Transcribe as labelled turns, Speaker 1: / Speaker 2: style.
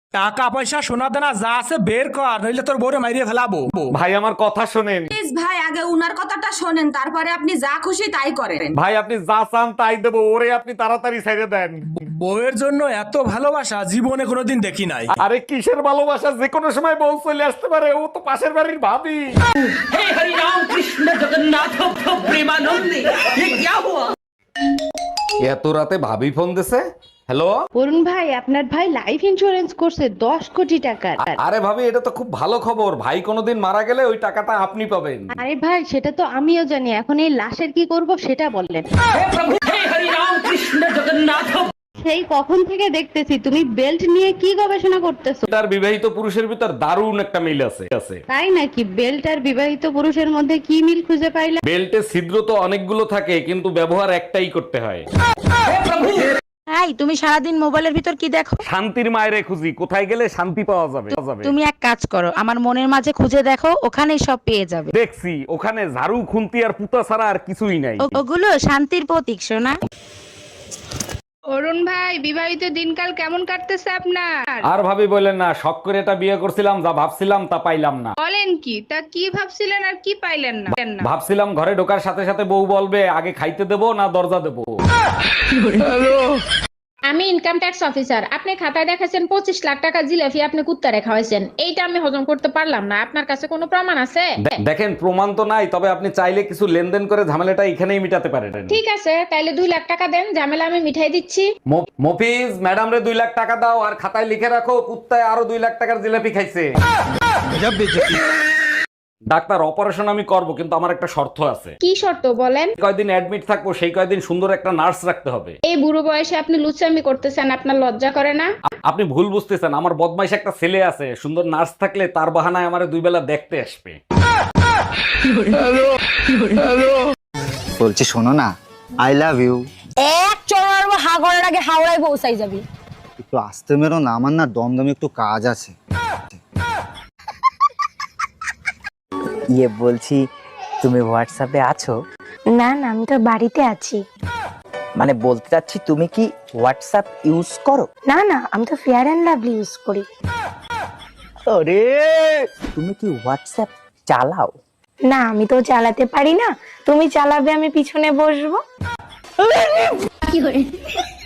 Speaker 1: টাকা পয়সা সোনা দানা যা আছে বের কর, নইলে তোর বউরে মাইরিয়ে ফেলাবো।
Speaker 2: ভাই আমার কথা শোনেন।
Speaker 3: প্লিজ ভাই, আগে উনার কথাটা শোনেন, তারপরে আপনি যা খুশি তাই করেন।
Speaker 2: ভাই আপনি যা চান তাই দেবো, ওরে আপনি তাড়াতাড়ি ছেড়ে দেন।
Speaker 1: বউয়ের জন্য এত ভালোবাসা জীবনে কোনোদিন দেখি নাই।
Speaker 2: আরে কিসের ভালোবাসা, যে কোনো সময় বউ চলে আসতে পারে, ও তো পাশের বাড়ির ভাবি। এত রাতে ভাবি ফোন দিছে। হ্যালো।
Speaker 4: অরুণ ভাই, আপনার ভাই লাইফ ইন্স্যুরেন্স করছে 10 কোটি টাকার।
Speaker 2: আরে ভাবি, এটা তো খুব ভালো খবর। ভাই কোনোদিন মারা গেলে ওই টাকাটা আপনি পাবেন।
Speaker 4: আরে ভাই, সেটা তো আমিও জানি, এখন এই লাশের কি করব সেটা বললেন। সেই কখন থেকে দেখতেছি তুমি বেল্ট নিয়ে কি গবেষণা করতেছো।
Speaker 2: তার বিবাহিত পুরুষের ভিতর দারুণ একটা মিল আছে।
Speaker 4: তাই নাকি? বেল্ট আর বিবাহিত পুরুষের মধ্যে কি মিল খুঁজে পাইলা?
Speaker 2: বেল্টে ছিদ্র তো অনেকগুলো থাকে, কিন্তু ব্যবহার একটাই করতে হয়।
Speaker 5: এই, তুমি সারাদিন মোবাইলের ভিতর কি দেখো?
Speaker 2: শান্তির মায়েরে খুঁজি, কোথায় গেলে শান্তি পাওয়া যাবে।
Speaker 5: তুমি এক কাজ করো, আমার মনের মাঝে খুঁজে দেখো, ওখানেই সব পেয়ে যাবে।
Speaker 2: দেখছি ওখানে ঝাড়ু খুন্তি আর পুতা ছাড়া আর কিছুই নাই।
Speaker 5: ওগুলো শান্তির প্রতীক, সোনা।
Speaker 4: অরুণ ভাই, বিবাহিত দিনকাল কেমন কাটতেছে আপনার?
Speaker 2: আর ভাবি বলেন না, শখ করে এটা বিয়ে করছিলাম, যা ভাবছিলাম তা পাইলাম না।
Speaker 4: বলেন কি? তা কি ভাবছিলেন আর কি পাইলেন না?
Speaker 2: ভাবছিলাম ঘরে ঢোকার সাথে সাথে বউ বলবে আগে খাইতে দেবো না দরজা দেবো।
Speaker 6: আমি ইনকাম ট্যাক্স অফিসার। আপনি খাতায় দেখাচ্ছেন 25 লাখ টাকা জিলাপি আপনি কুত্তারে খাওয়াইছেন। এইটা আমি হজম করতে পারলাম না। আপনার কাছে কোনো প্রমাণ আছে?
Speaker 2: দেখেন, প্রমাণ তো নাই, তবে আপনি চাইলে কিছু লেনদেন করে ঝামেলাটা এখানেই মিটাতে পারেন।
Speaker 6: ঠিক আছে, তাইলে 2 লাখ টাকা দেন, ঝামেলা আমি মিঠাই দিচ্ছি।
Speaker 2: মফিজ, ম্যাডাম রে 2 লাখ টাকা দাও, আর খাতায় লিখে রাখো কুত্তায় আরো 2 লাখ টাকার জিলাপি খাইছে। ডাক্তার, অপারেশন আমি করব, কিন্তু আমার একটা শর্ত আছে।
Speaker 6: কি শর্ত বলেন?
Speaker 2: কয়দিন অ্যাডমিট থাকবো, সেই কয়দিন সুন্দর একটা নার্স রাখতে হবে।
Speaker 6: এই বুড়ো বয়সে আপনি লুচ্চামি করতেছেন, আপনার লজ্জা করে না?
Speaker 2: আপনি ভুল বুঝতেছেন, আমার বদমাইশ একটা ছেলে আছে, সুন্দর নার্স থাকলে তার বাহানায় আমারে 2 বেলা দেখতে আসবে।
Speaker 7: বলছি শোনো না, আই লাভ ইউ।
Speaker 8: এক চড়ার হাগরের আগে হাওড়ায় পৌঁছাই যাবি।
Speaker 7: একটু আসতে মেরো না, আমার না দমদমে একটু কাজ আছে। ইয়ে বলছি, তুমি হোয়াটসঅ্যাপে আছো?
Speaker 8: না না, আমি তো বাড়িতে আছি।
Speaker 7: মানে বলতে চাচ্ছি, তুমি কি হোয়াটসঅ্যাপ ইউজ করো?
Speaker 8: না না, আমি তো ফেয়ার অ্যান্ড লাভলি ইউজ করি।
Speaker 7: আরে, তুমি কি হোয়াটসঅ্যাপ চালাও?
Speaker 8: না, আমি তো চালাতে পারি না। তুমি চালাবে, আমি পিছনে বসবো।